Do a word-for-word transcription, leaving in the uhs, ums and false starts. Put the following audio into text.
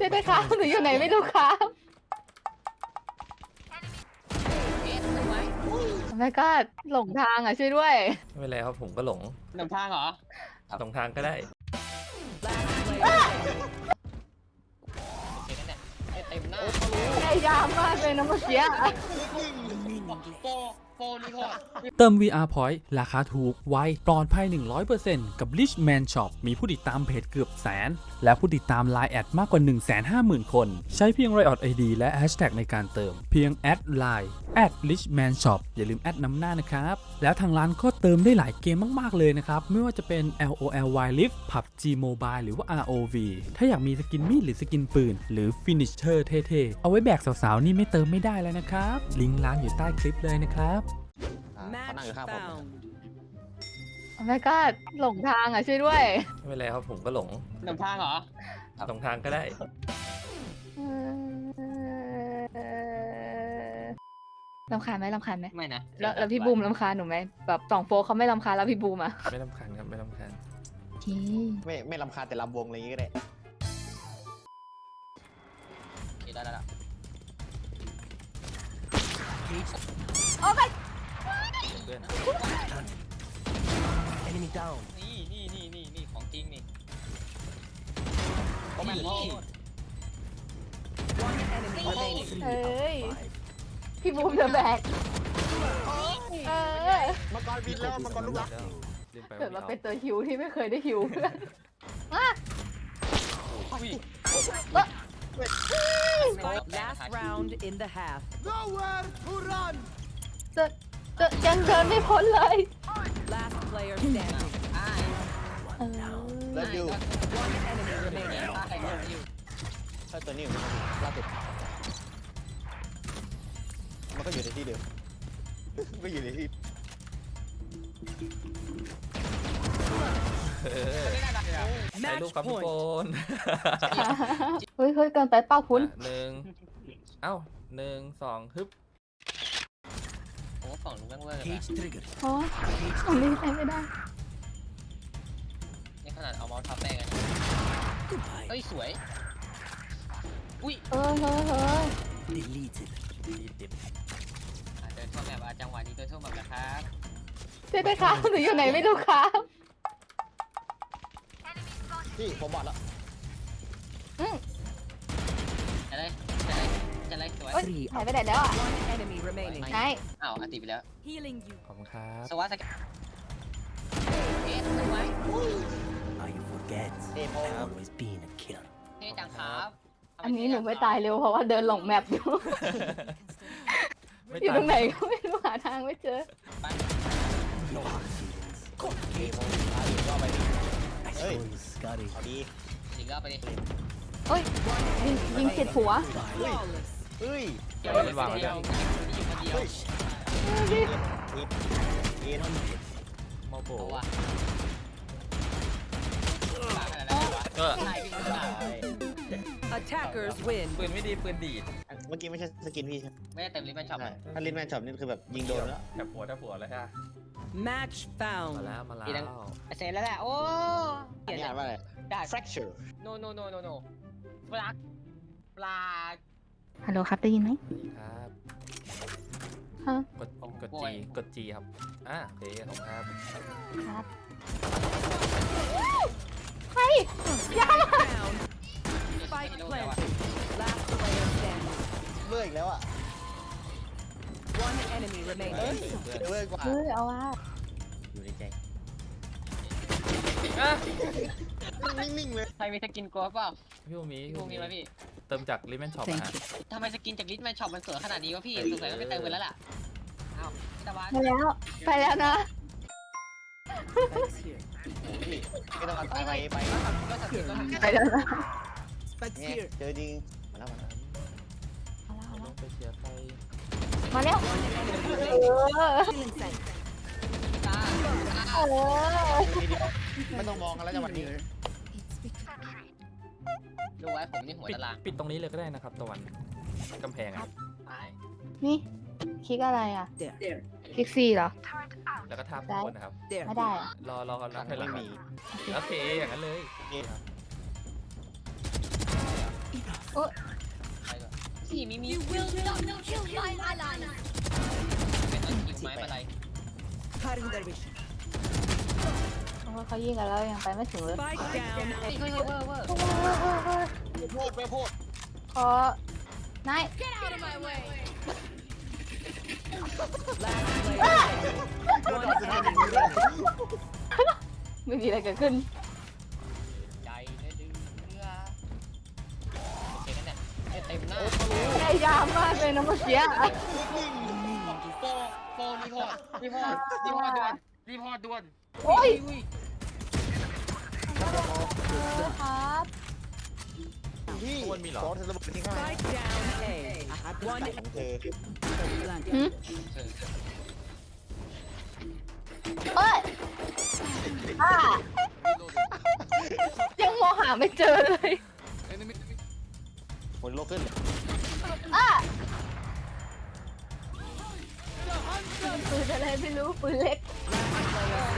ช่วยด้วยครับหนูอยู่ไหนไม่รู้ครับแม่ก็หลงทางอ่ะช่วยด้วยไม่เป็นไรครับผมก็หลงหลงทางเหรอหลงทางก็ได้เต็มหน้าพยายามมากเลยนะเมื่อกี้โปโปนี่โคตรเติม วี อาร์ Point ราคาถูกไวปลอดภัย หนึ่งร้อยเปอร์เซ็นต์ กับ Richman Shop มีผู้ติดตามเพจเกือบแสน และผู้ติดตาม ไลน์ แอดมากกว่า หนึ่งแสนห้าหมื่น คน ใช้เพียง Riot ไอ ดี และ Hashtag ในการเติม เพียงแอด ไลน์ แอด Richman Shop อย่าลืมแอดนำหน้านะครับ แล้วทางร้านก็เติมได้หลายเกมมากๆเลยนะครับ ไม่ว่าจะเป็น แอล โอ แอล Wild Rift พับจี Mobile หรือว่า อาร์ โอ วี ถ้าอยากมีสกินมีดหรือสกินปืนหรือ Finisher เท่ๆเอาไว้แบกสาวๆนี่ไม่เติมไม่ได้แล้วนะครับลิงก์ร้านอยู่ใต้คลิปเลยนะครับเขานั่งอยู่ข้างผมแม่ก็หลงทางอ่ะช่วยด้วยไม่เป็นไรครับผมก็หลงหลงทางเหรอหลงทางก็ได้รำคาญไหมรำคาญไหมไม่นะแล้วแล้วพี่บูมรำคาญหนูไหมแบบสองโฟเขาไม่รำคาญแล้วพี่บูมอ่ะไม่รำคาญครับไม่รำคาญโอเคไม่ไม่รำคาญแต่ลำวงอะไรอย่างงี้ก็ได้ได้ได้แล้วโอ้ยเพื่อนนี่นี่นี่นี่นี่ของจริงนี่เฮ้ยพี่บูมจะแบกเออมังกรบินแล้วมังกรลูกรักเกิดมาเป็นตัวฮิวที่ไม่เคยได้ฮิวเพื่อนมา Last round in the half. Nowhere to run จะจะยังเดินไม่พ้นเลย Last player standing. แล้วดู One enemy remaining. ถ้าตัวนี้ล่าสุดมันก็อยู่ในที่เดิมก็อยู่ในที่ถ่ายรูปครับพี่โฟนเฮ้ยเฮ้ยเกินไปเป้าคุณหนึ่งเอ้าหนึ่งสองฮึบโอ้ฝั่งนู้นแม่งเวอร์เลยโอ้ยผมรีบใช้ไม่ได้นี่ขนาดเอาเมาส์ทับแม่กันเฮ้ยสวยอุ้ยเออเฮ้ยเฮ้ย deleted deleted เดินเข้าแบบจังหวะนี้เดินเข้าแบบนะครับช่วยด้วยครับหนูอยู่ไหนไม่รู้ครับพี่ผมบอกแล้วจะได้จะได้จะได้สวยหายไปไหนแล้วอ่ะ One enemy remaining. ไหนอ้าวอันติไปแล้ว Healing you. ขอบคุณครับสวัสดีเอ๊ะสวย Now you forget I've always been a killer เท่จังครับอันนี้หนูไม่ตายเร็วเพราะว่าเดินหลงแมปอยู่อยู่ตรงไหนก็ไม่รู้หาทางไม่เจอ No hard feelings เฮ้ย Scotty เอาดียิงก็ไปดิโอ้ยยิงยิงผิดหัวเฮ้ยเดี๋ยวมันวางไว้แล้วอยู่คนเดียวเอ็ดเอ็ดโมโบตัวก็ Attackers win. ปืนไม่ดีปืนดีดเมื่อกี้ไม่ใช่สกินพี่ใช่ไม่ได้เต็มลิฟต์แมนช็อปใช่ถ้าลินแมนช็อปนี่คือแบบยิงโดนแล้วแถบหัวแถบหัวเลยฮะ Match มา found. แล้วมาแล้วเสร็จแล้วแหละโอ้อันนี้อ่านว่าอะไรได้ fracture no no no no no ปลาปลาฮัลโหลครับได้ยินไหมครับฮะกดกดจีกดจีครับอ่ะโอเคขอบคุณครับครับเฮ้ยอย่า Down. Spike planted. Last player standing. เลื่อยอีกแล้วอ่ะ One enemy remaining. เลื่อยกว่าเฮ้ยเอาว่าอยู่ในใจอ่ะนิ่งๆเลยใครมีสกินกลัวเปล่าพี่ภูมิพวกนี้ไหมพี่เติมจากลิเมนช็อปฮะทำไมสกินจากลิฟต์แมนช็อปมันสวยขนาดนี้วะพี่สงสัยต้องไปเติมกันแล้วล่ะอ้าวพี่ตะวันไปแล้วไปแล้วนะพี่ไม่ต้องเอาตายไปไปก็สับก็สับไปแล้วนะเนี่ยเจอจริงมาแล้วมาแล้วลงไปเชียร์ใครมาแล้วเออตาเออไม่ต้องมองกันแล้วจังหวะนี้ดูไว้ผมนี่หัวปิดตารางปิดตรงนี้เลยก็ได้นะครับตะวันกำแพงอ่ะนี่คลิกอะไรอ่ะคลิกซีเหรอแล้วก็ทับคนนะครับไม่ได้อ่ะรอรอกันนับให้หลัไม่งมีโอเคอย่างนั้นเลยเอ๊ะโอ้ยไปก่อนสี่มีมีเป็นอันคิวไม้มาลาย Cutting their vision. เพราะว่าเขายิงกันแล้วยังไปไม่ถึงเลย Spike down. เฮ้ยเฮ้ยเวอร์เวอร์โอ้ยโอ้ยโอ้ยโอ้ยไม่โพดไม่โพดขอนาย Last player standing. One enemy remaining. ไม่มีอะไรเกิดขึ้นใจได้ดื้อเรือโอเคกันเนี่ยเต็มหน้าพยายามมากเลยนะเมื่อกี้โปโปรีพอร์ตรีพอร์ตรีพอร์ตด่วนรีพอร์ตด่วนโอ้ยอุ้ยครับพี่อ้วนมีเหรอซอสเธอระเบิดที่ง่าย Spike down A. One ของเธอหืมเออเอ้ยอ่ายังมองหาไม่เจอเลยหมดโลกขึ้นอ่ะปืนอะไรไม่รู้ปืนเล็ก player